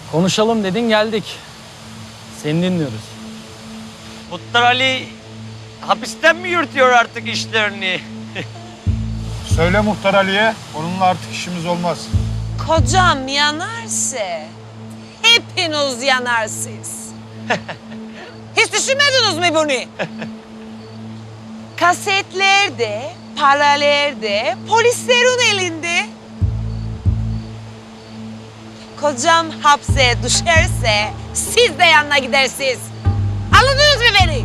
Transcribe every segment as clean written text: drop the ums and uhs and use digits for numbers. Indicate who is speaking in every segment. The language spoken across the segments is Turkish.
Speaker 1: Konuşalım dedin geldik. Seni dinliyoruz.
Speaker 2: Muhtar Ali hapisten mi yürütüyor artık işlerini?
Speaker 3: Söyle Muhtar Ali'ye, onunla artık işimiz olmaz.
Speaker 4: Kocam yanarsa hepiniz yanarsınız. Hiç düşünmediniz mi bunu? Kasetler de, paralar da polislerin elinde. Kocam hapse düşerse siz de yanına gidersiniz. Anladınız mı beni?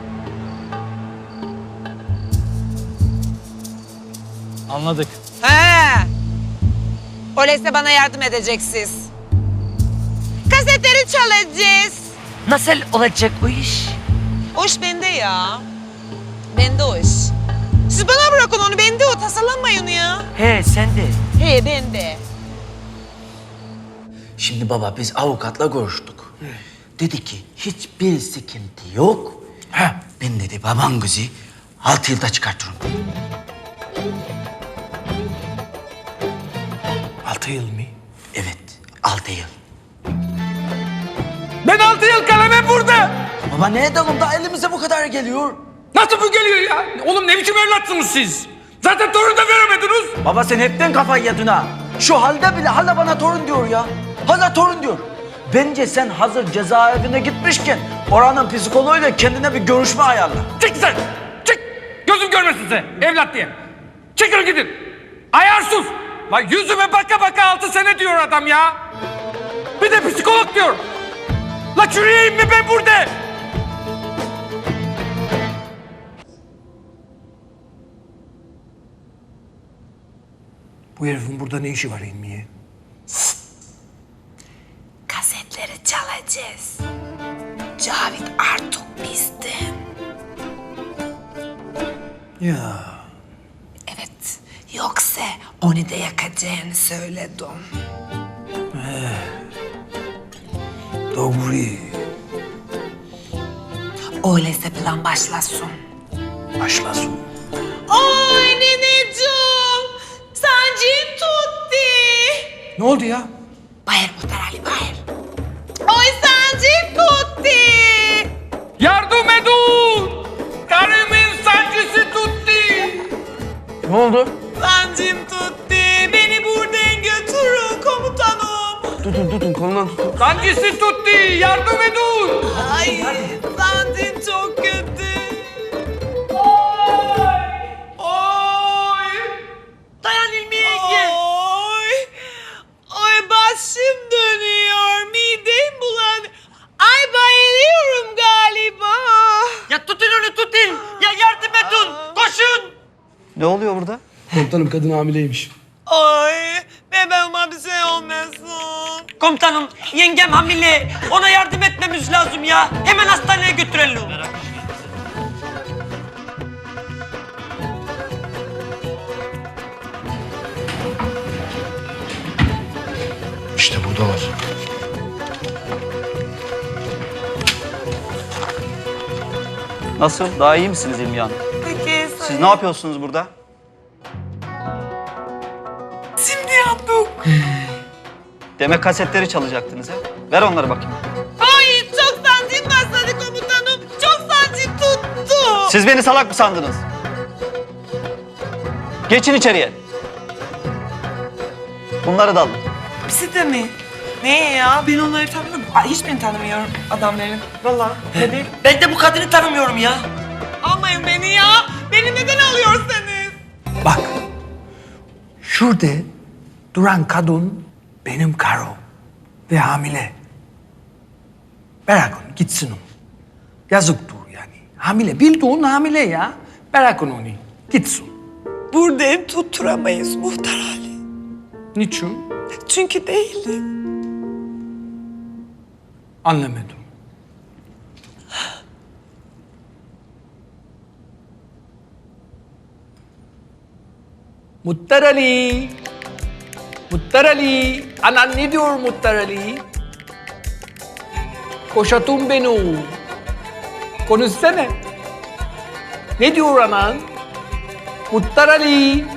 Speaker 1: Anladık.
Speaker 4: He. Öyleyse bana yardım edeceksiniz. Kasetleri çalacağız.
Speaker 2: Nasıl olacak o iş?
Speaker 4: O iş bende ya. Bende o iş. Siz bana bırakın onu, bende o. Tasalanmayın ya.
Speaker 2: He sen de.
Speaker 4: He, bende.
Speaker 5: Şimdi baba biz avukatla görüştük. Dedi ki hiçbir sıkıntı yok. Ben dedi baban kızı 6 yılda çıkartırım.
Speaker 6: 6 yıl mı?
Speaker 5: Evet 6 yıl.
Speaker 6: Ben 6 yıl kalemim burada.
Speaker 5: Baba ne edelim da elimize bu kadar geliyor.
Speaker 6: Nasıl bu geliyor ya? Oğlum ne biçim evlatsınız siz? Zaten torun da veremediniz.
Speaker 5: Baba sen hepten kafayı yedin ha. Şu halde bile hala bana torun diyor ya. Hala torun diyor. Bence sen hazır cezaevine gitmişken oranın psikoloğuyla kendine bir görüşme ayarla.
Speaker 6: Çık sen. Çık. Gözüm görmesin size. Evlat diye. Çıkın gidin. Ayarsız. Lan yüzüme baka baka 6 sene diyor adam ya. Bir de psikolog diyor. La çürüyeyim mi ben burada? Bu herifin burada ne işi var İlmiye?
Speaker 4: Kasetleri çalacağız. Cavit artık bizde.
Speaker 6: Ya.
Speaker 4: Evet. Yoksa onu da yakacağını söyledim.
Speaker 6: Doğru.
Speaker 4: Öyleyse plan başlasın.
Speaker 6: Başlasın.
Speaker 4: Oy neneciğim. Sancım tuttu.
Speaker 6: Ne oldu ya?
Speaker 4: Bayır Muhtar Ali, bayır. Oy sancım tuttu.
Speaker 6: Yardım edin! Karımın sancısı tuttu.
Speaker 5: Ne oldu?
Speaker 4: Sancım tuttu. Beni buradan götürün komutanım.
Speaker 5: Tutun kolundan tutun.
Speaker 6: Sancısı tuttu. Yardım edin.
Speaker 4: Ay sancım çok kötü.
Speaker 6: Oy!
Speaker 2: Dayan İlmi yenge.
Speaker 4: Oy. Ay başım dönüyor. Midem bulanıyor. Ay bayılıyorum galiba.
Speaker 2: Ya tutun onu tutun. Ya yardım edin. Koşun.
Speaker 5: Ne oluyor burada?
Speaker 6: Komutanım kadın hamileymiş.
Speaker 4: Ay bebeğime bir şey olmasın.
Speaker 2: Komutanım yengem hamile. Ona yardım etmemiz lazım ya. Hemen hastaneye götürelim.
Speaker 3: İşte buradalar.
Speaker 7: Nasıl? Daha iyi misiniz İlmiye Hanım?
Speaker 4: Peki
Speaker 7: Siz ne yapıyorsunuz burada?
Speaker 4: şimdi yaptık.
Speaker 7: Demek kasetleri çalacaktınız ha? Ver onları bakayım.
Speaker 4: Ay çok sancım başladı komutanım. Çok sancım tuttu.
Speaker 7: Siz beni salak mı sandınız? Geçin içeriye. Bunları da alın.
Speaker 8: Hepsi de mi? Ne ya? Ben onları tanımıyorum. Ay, hiç beni tanımıyorum adamların. Vallahi. Hadi.
Speaker 2: Ben de bu kadını tanımıyorum ya.
Speaker 4: Almayın beni ya. Beni neden alıyorsunuz?
Speaker 6: Bak. Şurada duran kadın benim karım ve hamile. Bırakın gitsin o. Yazıktır yani. Hamile. Bildiğin hamile ya. Bırakın onu. Gitsin.
Speaker 8: Burada tutturamayız Muhtar Ali.
Speaker 6: Niçin?
Speaker 8: Çünkü değilim.
Speaker 6: Anlamadım. Muhtar Ali. Muhtar Ali. Anan ne diyor Muhtar Ali? Koşatın beni. Konuşsana. Ne diyor anan? Muhtar Ali.